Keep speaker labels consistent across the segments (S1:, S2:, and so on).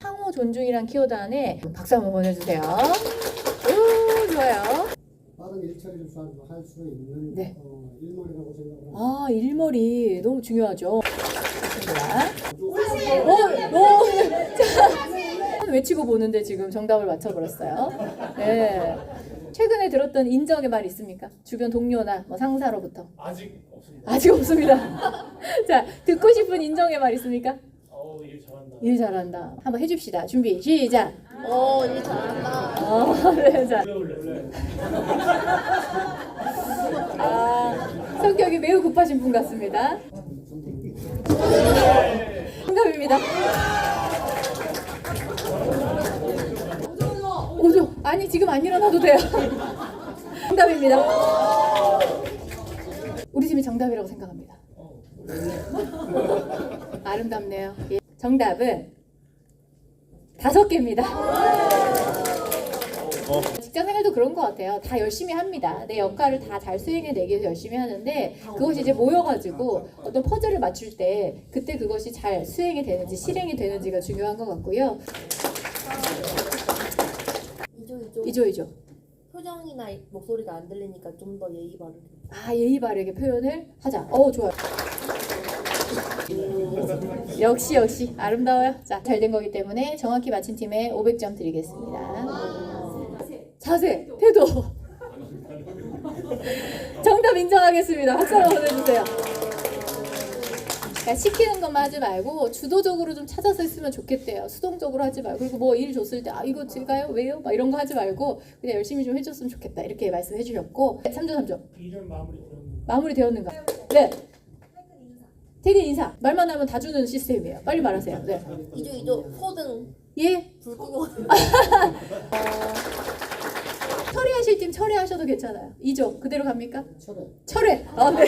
S1: 상호 존중이란 키워드 안에 박수 한번 보내주세요. 오, 좋아요.
S2: 빠른 일처리를 할 수 있는
S1: 네.
S2: 일머리라고 생각을 합니다.
S1: 아, 일머리 너무 중요하죠. 좋습니다. 자, 외치고 보는데 지금 정답을 맞춰버렸어요. 네. 최근에 들었던 인정의 말 있습니까? 주변 동료나 뭐 상사로부터.
S3: 아직 없습니다.
S1: 아직 없습니다. 자, 듣고 싶은 인정의 말 있습니까?
S3: 일 잘한다.
S1: 일 잘한다. 한번 해줍시다. 준비, 시작.
S4: 일 잘한다.
S1: 네, 자.
S3: 원래
S1: 아, 성격이 매우 급하신 분 같습니다. 정답입니다. 오죠. 아니, 지금 안 일어나도 돼요. 정답입니다. 우리 팀이 정답이라고 생각합니다. 아름답네요. 예. 정답은 5개입니다. 직장 생활도 그런 것 같아요. 다 열심히 합니다. 내 역할을 다 잘 수행해내기 위해서 열심히 하는데 그것이 이제 모여가지고 어떤 퍼즐을 맞출 때 그때 그것이 잘 수행이 되는지 실행이 되는지가 중요한 것 같고요. 이죠.
S4: 표정이나 목소리가 안 들리니까 좀 더 예의 바르게.
S1: 아, 예의 바르게 표현을 하자. 좋아요. 역시 아름다워요. 자, 잘 된 거기 때문에 정확히 맞힌 팀에 500점 드리겠습니다. 자세, 태도. 정답 인정하겠습니다. 박수 한번 보내주세요. 그러니까 시키는 것만 하지 말고 주도적으로 좀 찾아서 했으면 좋겠대요. 수동적으로 하지 말고. 그리고 뭐 일 줬을 때 이거 제가요? 왜요? 막 이런 거 하지 말고 그냥 열심히 좀 해줬으면 좋겠다. 이렇게 말씀해 주셨고 3점.
S3: 일은
S1: 마무리 되었는가? 네. 퇴근 인사. 말만 하면 다 주는 시스템이에요. 빨리 말하세요. 네.
S4: 이조 소등
S1: 예?
S4: 불 끄고.
S1: 처리하실 팀 처리하셔도 괜찮아요. 2조 그대로 갑니까?
S2: 철회.
S1: 철회. 네.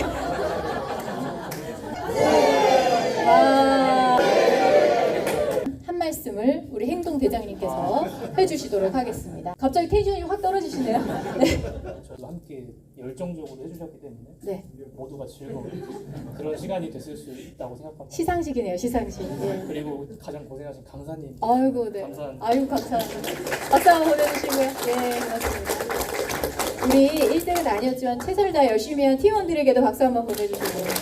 S1: 한 말씀을 우리 행동 대장님께서 해주시도록 하겠습니다. 갑자기 텐션이 확 떨어지시네요. 네.
S3: 저도 함께 열정적으로 해주셨기 때문에
S1: 네.
S3: 모두가 즐거운 그런 시간이 됐을 수 있다고 생각합니다.
S1: 시상식이네요. 시상식. 예.
S3: 그리고 가장 고생하신 강사님.
S1: 아이고, 네.
S3: 감사합니다.
S1: 아이고, 감사합니다. 박수 한번 보내주시고요. 네, 고맙습니다. 우리 1등은 아니었지만 최선을 다해 열심히 한 팀원들에게도 박수 한번 보내주시고요.